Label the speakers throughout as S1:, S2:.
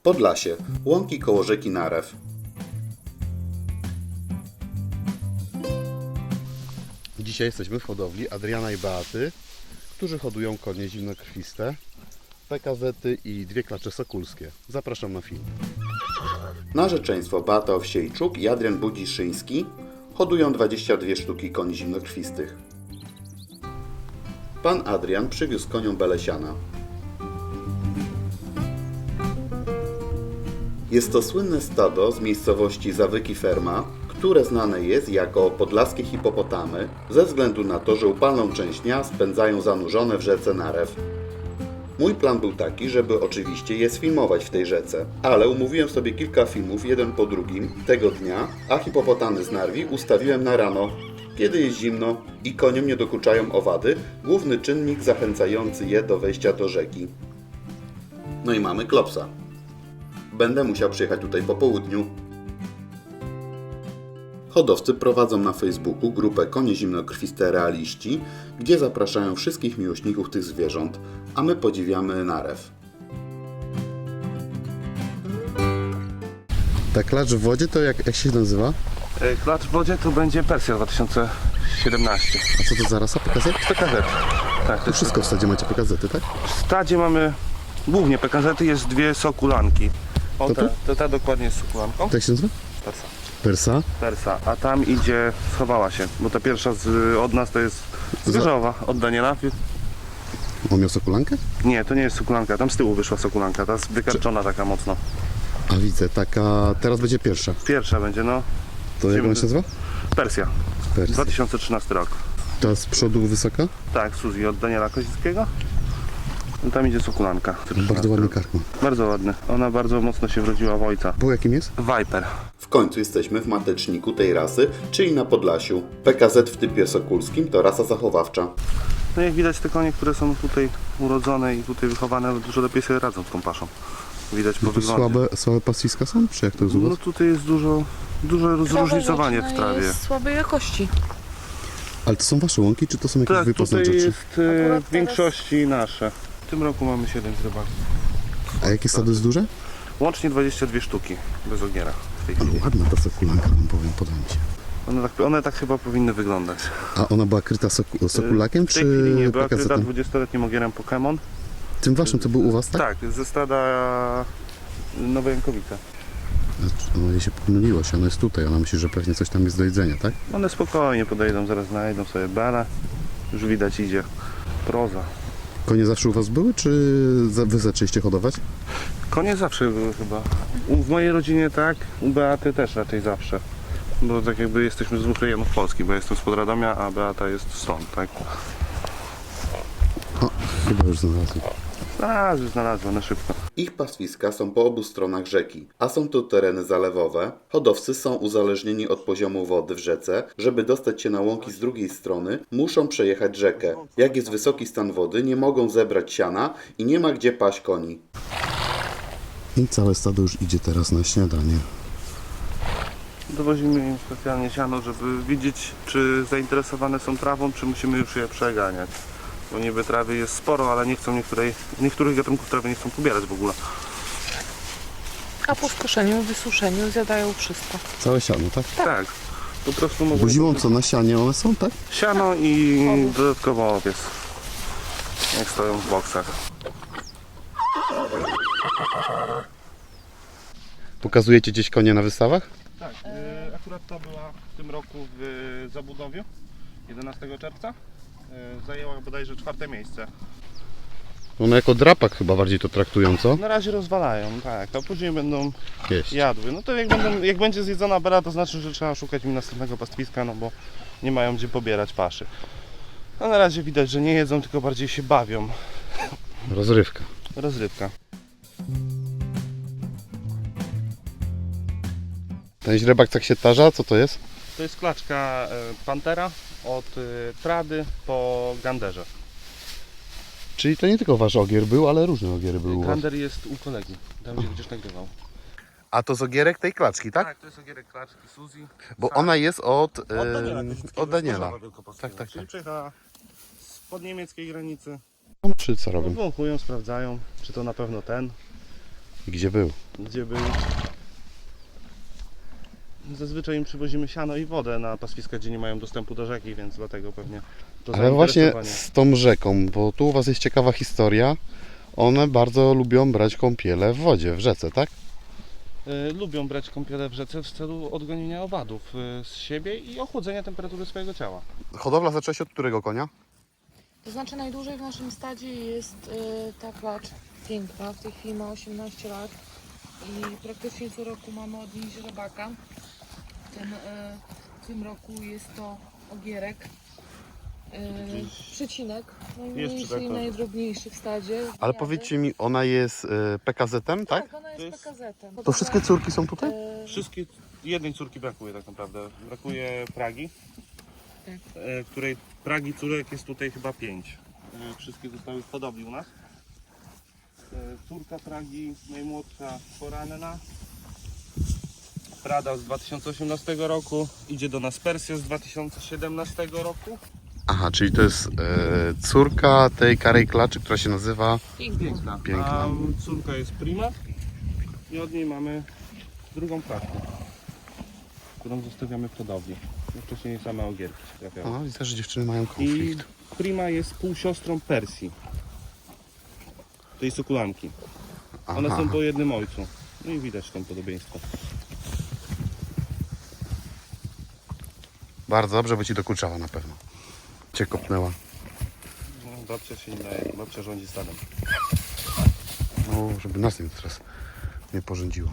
S1: Podlasie, łąki koło rzeki Narew. Dzisiaj jesteśmy w hodowli Adriana i Beaty, którzy hodują konie zimnokrwiste, PKZ-y i 2 klacze sokulskie. Zapraszam na film. Narzeczeństwo Beata Owsiejczuk i Adrian Budziszyński hodują 22 sztuki koni zimnokrwistych. Pan Adrian przywiózł koniom Belesiana. Jest to słynne stado z miejscowości Zawyki Ferma, które znane jest jako podlaskie hipopotamy ze względu na to, że upalną część dnia spędzają zanurzone w rzece Narew. Mój plan był taki, żeby oczywiście je sfilmować w tej rzece, ale umówiłem sobie kilka filmów jeden po drugim tego dnia, a hipopotamy z Narwi ustawiłem na rano, kiedy jest zimno i koniom nie dokuczają owady, główny czynnik zachęcający je do wejścia do rzeki. No i mamy klopsa. Będę musiał przyjechać tutaj po południu. Hodowcy prowadzą na Facebooku grupę Konie Zimnokrwiste Realiści, gdzie zapraszają wszystkich miłośników tych zwierząt, a my podziwiamy Narew. Ta klacz w wodzie to jak się nazywa?
S2: Klacz w wodzie to będzie Persja 2017.
S1: A co to za rasa? PKZ?
S2: PKZ. Tak,
S1: To wszystko w stadzie macie PKZ-y, tak?
S2: w stadzie mamy głównie PKZ, jest 2 sokulanki. O,
S1: To tu?
S2: ta dokładnie jest sokulanką.
S1: Jak się nazywa?
S2: Persa.
S1: Persa?
S2: Persa, a tam idzie, schowała się, bo ta pierwsza od nas to jest z Gorzowa, od Daniela.
S1: On miał sokulankę?
S2: Nie, to nie jest sokulanka, tam z tyłu wyszła sokulanka, ta jest wykarczona taka mocno.
S1: A widzę, taka... Teraz będzie pierwsza.
S2: Pierwsza będzie, no,
S1: To jak ona się nazywa?
S2: Persja,
S1: Persa.
S2: 2013 rok.
S1: Ta z przodu wysoka?
S2: Tak, Suzy od Daniela Kozickiego. No, tam idzie sokulanka.
S1: Bardzo ładny karkman.
S2: Bardzo ładny. Ona bardzo mocno się wrodziła w ojca.
S1: Bo jakim jest?
S2: Viper.
S1: W końcu jesteśmy w mateczniku tej rasy, czyli na Podlasiu. PKZ w typie sokulskim to rasa zachowawcza.
S2: No jak widać te konie, które są tutaj urodzone i tutaj wychowane, dużo lepiej sobie radzą z tą paszą. Widać po
S1: Tu
S2: wyglądzie.
S1: słabe pastwiska są? Czy jak to jest u was?
S2: No tutaj jest duże zróżnicowanie w trawie.
S3: Jest słabej jakości.
S1: Ale to są wasze łąki, czy to są jakieś
S2: Tak,
S1: wypasne
S2: tutaj
S1: rzeczy?
S2: jest
S3: Akurat
S2: w większości nasze. W tym roku mamy 7 zrybaki.
S1: A jakie stado jest duże?
S2: Łącznie 22 sztuki bez ogiera w tej chwili.
S1: Ale ładna ta sokulanka, wam powiem, podoba mi się.
S2: One tak chyba powinny wyglądać.
S1: A ona była kryta sokulakiem,
S2: W tej chwili nie,
S1: czy
S2: była kryta
S1: PKZ-em?
S2: 20-letnim ogierem Pokémon.
S1: Tym waszym, co był u was, tak?
S2: Tak, ze stada Nowe Jankowice.
S1: Ona się pomyliło się, ona jest tutaj, ona myśli, że pewnie coś tam jest do jedzenia, tak?
S2: One spokojnie podejdą, zaraz znajdą sobie belę. Już widać idzie proza.
S1: Konie zawsze u was były, czy wy zaczęliście hodować?
S2: Konie zawsze były chyba. W mojej rodzinie tak, u Beaty też raczej zawsze. Bo tak jakby jesteśmy z 2 rejonów Polski, bo ja jestem z Podradomia, a Beata jest stąd, tak?
S1: O, chyba już znalazłem.
S2: Znalazłem na szybko.
S1: Ich pastwiska są po obu stronach rzeki, a są to tereny zalewowe. Hodowcy są uzależnieni od poziomu wody w rzece. Żeby dostać się na łąki z drugiej strony, muszą przejechać rzekę. Jak jest wysoki stan wody, nie mogą zebrać siana i nie ma gdzie paść koni. I całe stado już idzie teraz na śniadanie.
S2: Dowozimy im specjalnie siano, żeby widzieć, czy zainteresowane są trawą, czy musimy już je przeganiać. Bo niby trawy jest sporo, ale nie chcą niektórych gatunków trawy nie chcą pobierać w ogóle.
S3: A po skoszeniu, wysuszeniu zjadają wszystko.
S1: Całe siano, tak?
S2: Tak. Po prostu mogą...
S1: Bo zimą co, na sianie one są, tak?
S2: Siano i dodatkowo owiec. Jak stoją w boksach.
S1: Pokazujecie gdzieś konie na wystawach?
S2: Tak, akurat ta była w tym roku w Zabudowiu 11 czerwca. Zajęła bodajże 4. miejsce.
S1: One jako drapak chyba bardziej to traktują, co?
S2: Na razie rozwalają, tak, a później będą
S1: Jeść.
S2: jadły. No to jak będzie zjedzona bela, to znaczy, że trzeba szukać im następnego pastwiska, no bo nie mają gdzie pobierać paszy. A na razie widać, że nie jedzą, tylko bardziej się bawią.
S1: Rozrywka.
S2: Rozrywka.
S1: Ten źrebak tak się tarza, co to jest?
S2: To jest klaczka Pantera od Trady po Ganderze.
S1: Czyli to nie tylko wasz ogier był, ale różne ogiery były u was.
S2: Gander jest u kolegi, tam gdzie będziesz nagrywał.
S1: A to z ogierek tej klaczki, tak?
S2: To jest ogierek klaczki Suzy.
S1: Bo ona jest od
S2: Od
S1: Daniela.
S2: Tak,
S1: tak.
S2: Czyli przyjechała spod niemieckiej granicy.
S1: Czy co robią?
S2: Wąchują, sprawdzają, czy to na pewno ten.
S1: I gdzie był?
S2: Gdzie był? Zazwyczaj im przywozimy siano i wodę na pastwiska, gdzie nie mają dostępu do rzeki, więc dlatego pewnie to
S1: Ale właśnie
S2: zainteresowanie.
S1: z tą rzeką, bo tu u Was jest ciekawa historia. One bardzo lubią brać kąpiele w wodzie, w rzece, tak?
S2: Lubią brać kąpiele w rzece w celu odgonienia owadów z siebie i ochłodzenia temperatury swojego ciała.
S1: Hodowla zaczęła się od którego konia?
S3: To znaczy najdłużej w naszym stadzie jest ta klacz piękna. W tej chwili ma 18 lat i praktycznie co roku mamy od niej źrebaka. W tym roku jest to ogierek. Przecinek, najmniejszy
S2: tak,
S3: i
S2: tak.
S3: najdrobniejszy w stadzie.
S1: Ale
S3: Gniady.
S1: powiedzcie mi, ona jest PKZ-em, tak?
S3: Tak, ona
S2: To
S3: jest
S2: jest-
S3: PKZ-em.
S1: To wszystkie córki są tutaj?
S2: Wszystkie, jednej córki brakuje tak naprawdę. Brakuje Pragi,
S3: Tak.
S2: której Pragi córek jest tutaj chyba 5. Wszystkie zostały w hodowli u nas. Córka Pragi, najmłodsza, poranna. Prada z 2018 roku. Idzie do nas Persja z 2017 roku.
S1: Aha, czyli to jest córka tej karej klaczy, która się nazywa...
S2: Piękna.
S1: Piękna.
S2: A córka jest Prima i od niej mamy drugą klatkę, którą zostawiamy w hodowli. No wcześniej same ogierki się trafiały.
S1: O, widzę, że dziewczyny mają
S2: I
S1: konflikt.
S2: Prima jest półsiostrą Persji, tej sukulanki. One
S1: Aha.
S2: są po jednym ojcu. No i widać tam podobieństwo.
S1: Bardzo dobrze, bo Ci dokuczała na pewno. Cię kopnęła.
S2: No, babcia się nie daje, babcia rządzi stadem.
S1: No, żeby nas nie teraz nie porządziła.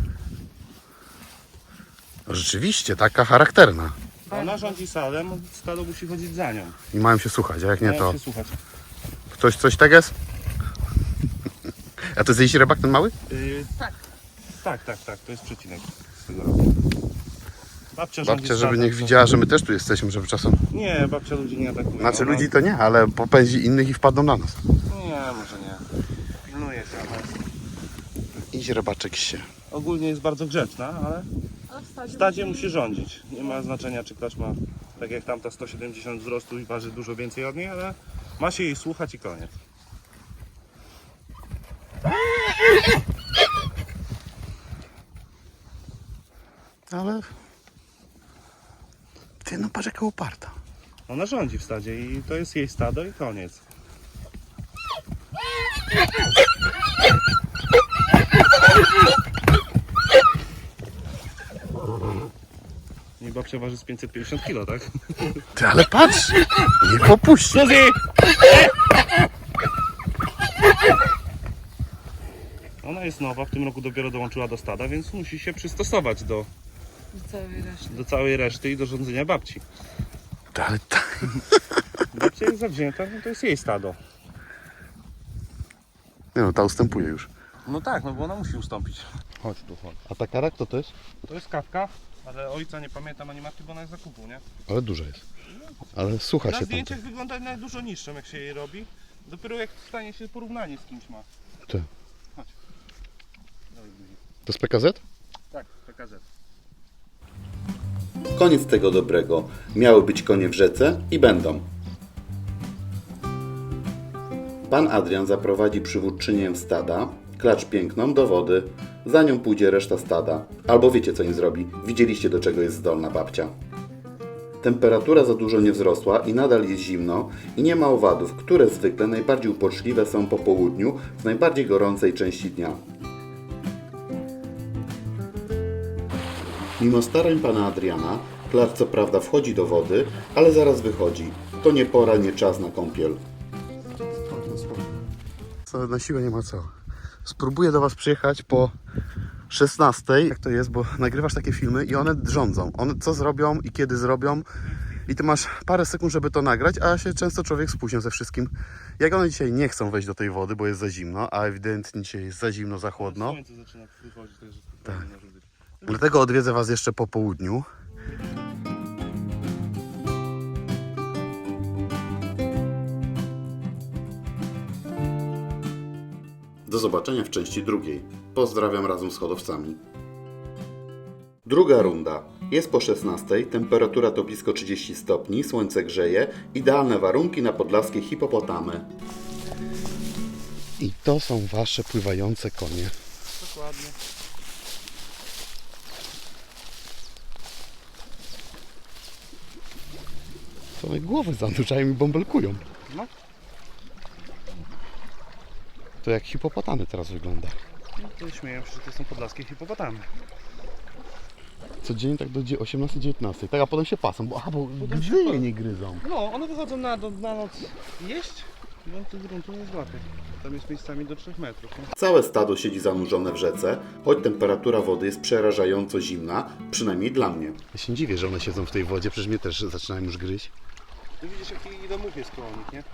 S1: No, rzeczywiście, taka charakterna.
S2: Ona rządzi stadem, stado musi chodzić za nią.
S1: I mają się słuchać, a jak nie
S2: Mają
S1: to...
S2: się słuchać.
S1: Ktoś coś tak jest? A to jest jej źrebak ten mały?
S3: Tak.
S2: Tak, to jest przecinek z tego roku. Babcia rządzi
S1: Babcia, żeby
S2: stadem,
S1: niech
S2: to-
S1: widziała, że my też tu jesteśmy, żeby czasem...
S2: Nie, babcia ludzi nie atakuje.
S1: Znaczy
S2: Ona-
S1: ludzi to nie, ale popędzi innych i wpadną na nas.
S2: Nie, może nie. Pilnuje się, ale
S1: I źrebaczek się.
S2: ogólnie jest bardzo grzeczna, ale w stadzie musi rządzić. Nie ma znaczenia, czy klacz ma, tak jak tamta, 170 wzrostu i waży dużo więcej od niej, ale ma się jej słuchać i koniec.
S1: Ale... Ty, no patrz jaka uparta.
S2: Ona rządzi w stadzie i to jest jej stado i koniec. I babcia waży z 550 kg, tak?
S1: Ty, ale patrz! Nie popuści!
S2: Suzy! Ona jest nowa, w tym roku dopiero dołączyła do stada, więc musi się przystosować do
S3: całej reszty.
S2: całej reszty i do rządzenia babci.
S1: Ty, ale tak...
S2: Babcia jest zawzięta, no to jest jej stado.
S1: Nie no, ta ustępuje już.
S2: No tak, no bo ona musi ustąpić. Chodź tu, chodź.
S1: A ta kara kto to jest?
S2: To jest kawka, ale ojca nie pamiętam ani matki, bo ona jest zakupu, nie?
S1: Ale duża jest. Ale słucha
S2: Na
S1: się tam.
S2: zdjęciach wygląda na dużo niższą, jak się jej robi. Dopiero jak stanie się porównanie z kimś ma.
S1: Ty.
S2: Chodź. Dawaj buzi.
S1: To jest PKZ?
S2: Tak, PKZ.
S1: Koniec tego dobrego. Miały być konie w rzece i będą. Pan Adrian zaprowadzi przywódczynię stada, klacz piękną, do wody. Za nią pójdzie reszta stada. Albo wiecie co im zrobi. Widzieliście do czego jest zdolna babcia. Temperatura za dużo nie wzrosła i nadal jest zimno i nie ma owadów, które zwykle najbardziej uporczliwe są po południu w najbardziej gorącej części dnia. Mimo starań pana Adriana, klacz co prawda wchodzi do wody, ale zaraz wychodzi. To nie pora, nie czas na kąpiel. Co, na siłę nie ma co. Spróbuję do was przyjechać po 16. Jak to jest, bo nagrywasz takie filmy i one rządzą. One co zrobią i kiedy zrobią. I ty masz parę sekund, żeby to nagrać, a się często człowiek spóźnia ze wszystkim. Jak one dzisiaj nie chcą wejść do tej wody, bo jest za zimno, a ewidentnie dzisiaj jest za zimno, za chłodno.
S2: Słońce zaczyna wychodzić, także spokojnie może być.
S1: Dlatego odwiedzę was jeszcze po południu. Do zobaczenia w części drugiej. Pozdrawiam razem z hodowcami. Druga runda. Jest po 16, temperatura to blisko 30 stopni, słońce grzeje, idealne warunki na podlaskie hipopotamy. I to są wasze pływające konie.
S3: To
S2: Dokładnie.
S1: To one głowy zanurzają i bąbelkują.
S2: No.
S1: To jak hipopotamy teraz wygląda.
S2: No to śmieją się, że to są podlaskie hipopotamy.
S1: Codziennie tak do 18-19. Tak, a potem się pasą, bo
S2: Potem się
S1: gzyje
S2: pa-
S1: nie gryzą.
S2: No, one wychodzą na noc jeść, no to gruntu nie złapie. Tam jest miejscami do 3 metrów. Nie?
S1: Całe stado siedzi zanurzone w rzece, choć temperatura wody jest przerażająco zimna, przynajmniej dla mnie. Ja się dziwię, że one siedzą w tej wodzie, przecież mnie też zaczynają już gryźć.
S2: No widzisz, jaki domów jest koło nich, nie?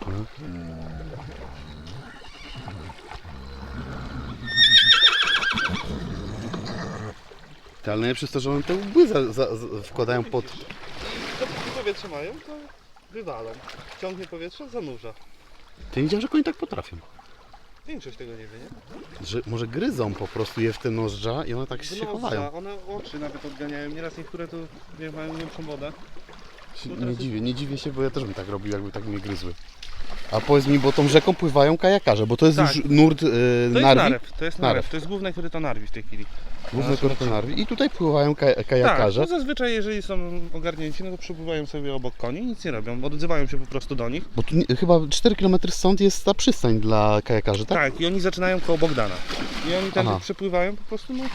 S1: Ale najlepsze jest to, że one te łby wkładają pod...
S2: I dopóki powietrze mają, to wywalą. Ciągnie powietrze, zanurza.
S1: Ty nie wiedziałem, że konie tak potrafią.
S2: Większość tego nie wie, nie?
S1: Że może gryzą po prostu je w te nozdrza i one tak się chowają.
S2: One oczy nawet odganiają. Nieraz niektóre tu mają większą wodę.
S1: Nie dziwię się, bo ja też bym tak robił, jakby tak mnie gryzły. A powiedz mi, bo tą rzeką pływają kajakarze, bo to jest
S2: Tak.
S1: już nurt
S2: To jest
S1: Narwi?
S2: narew, to jest
S1: Narew.
S2: narew. To jest główne koryto Narwi w tej chwili.
S1: Główne koryto Narwi. I tutaj pływają
S2: Tak,
S1: kajakarze.
S2: no zazwyczaj jeżeli są ogarnięci, no to przepływają sobie obok koni i nic nie robią. Odzywają się po prostu do nich.
S1: Bo tu chyba 4 km stąd jest ta przystań dla kajakarzy, tak?
S2: Tak, i oni zaczynają koło Bogdana. I oni tam
S1: Aha.
S2: przepływają po prostu, no.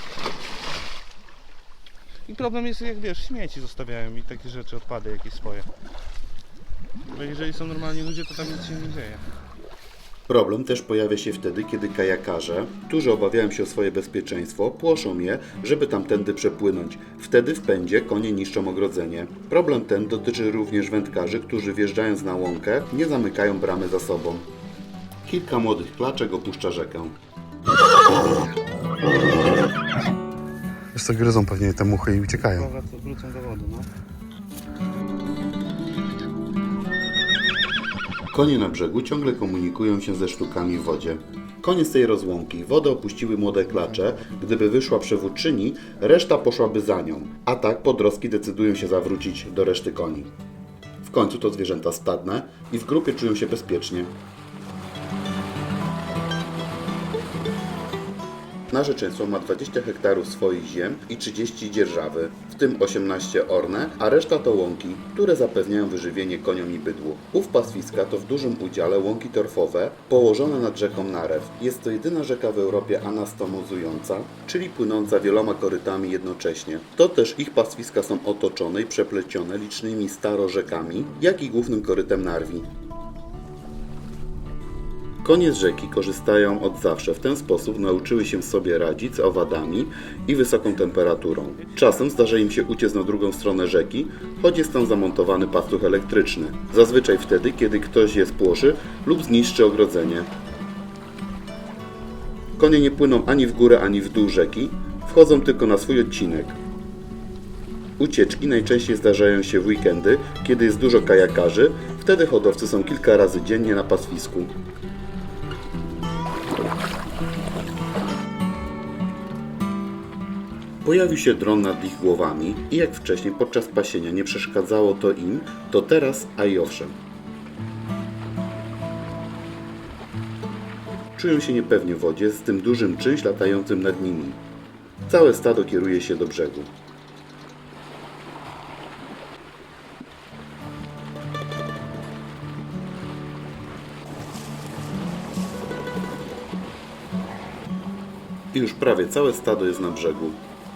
S2: I problem jest, jak wiesz, śmieci zostawiają i takie rzeczy, odpady jakieś swoje. Bo jeżeli są normalni ludzie, to tam nic się nie dzieje.
S1: Problem też pojawia się wtedy, kiedy kajakarze, którzy obawiają się o swoje bezpieczeństwo, płoszą je, żeby tamtędy przepłynąć. Wtedy w pędzie konie niszczą ogrodzenie. Problem ten dotyczy również wędkarzy, którzy wjeżdżając na łąkę nie zamykają bramy za sobą. Kilka młodych klaczek opuszcza rzekę. Wiesz co, gryzą pewnie te muchy i uciekają.
S2: Słowa, co wrócą do wody, no.
S1: Konie na brzegu ciągle komunikują się ze sztukami w wodzie. Koniec tej rozłąki. Wodę opuściły młode klacze. Gdyby wyszła przewódczyni, reszta poszłaby za nią. A tak podrostki decydują się zawrócić do reszty koni. W końcu to zwierzęta stadne i w grupie czują się bezpiecznie. Narzeczeństwo ma 20 hektarów swoich ziem i 30 dzierżawy, w tym 18 orne, a reszta to łąki, które zapewniają wyżywienie koniom i bydłu. Ów pastwiska to w dużym udziale łąki torfowe położone nad rzeką Narew. Jest to jedyna rzeka w Europie anastomozująca, czyli płynąca wieloma korytami jednocześnie. To też ich pastwiska są otoczone i przeplecione licznymi starorzekami, jak i głównym korytem Narwi. Konie z rzeki korzystają od zawsze. W ten sposób nauczyły się sobie radzić z owadami i wysoką temperaturą. Czasem zdarza im się uciec na drugą stronę rzeki, choć jest tam zamontowany pastuch elektryczny. Zazwyczaj wtedy, kiedy ktoś je spłoszy lub zniszczy ogrodzenie. Konie nie płyną ani w górę, ani w dół rzeki, wchodzą tylko na swój odcinek. Ucieczki najczęściej zdarzają się w weekendy, kiedy jest dużo kajakarzy, wtedy hodowcy są kilka razy dziennie na pastwisku. Pojawił się dron nad ich głowami i jak wcześniej podczas pasienia nie przeszkadzało to im, to teraz, a i owszem. Czują się niepewnie w wodzie z tym dużym czymś latającym nad nimi. Całe stado kieruje się do brzegu. I już prawie całe stado jest na brzegu.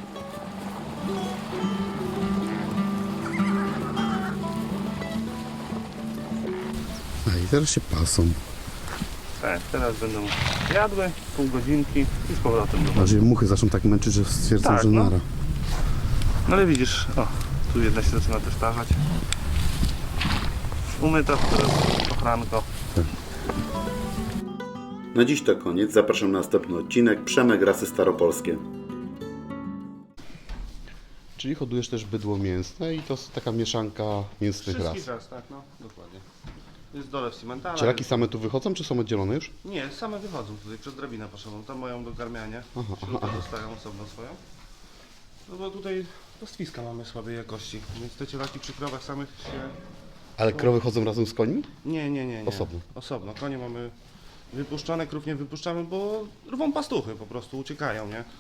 S1: I teraz się pasą.
S2: Tak, teraz będą jadły, pół godzinki i z powrotem do wody.
S1: Bardziej muchy zaczną tak męczyć, że stwierdzą,
S2: Tak,
S1: że
S2: no.
S1: nara.
S2: No ale widzisz, o, tu jedna się zaczyna też tarzać. Umyta, teraz ochranko.
S1: Na dziś to koniec. Zapraszam na następny odcinek. Przemek, Rasy Staropolskie. Czyli hodujesz też bydło mięsne i to jest taka mieszanka mięsnych ras.
S2: Wszystkich raz, tak, no, dokładnie. Jest dolew cimentala.
S1: Cielaki same tu wychodzą, czy są oddzielone już?
S2: Nie, same wychodzą tutaj przez drabinę poszedłem. Tam mają do garmiania. Śrubę dostają osobno swoją. No bo tutaj pastwiska mamy słabej jakości, więc te cielaki przy krowach samych się...
S1: Ale krowy chodzą razem z końmi?
S2: Nie.
S1: Osobno.
S2: Osobno. Konie mamy wypuszczone, krów nie wypuszczamy, bo rwą pastuchy po prostu, uciekają, nie?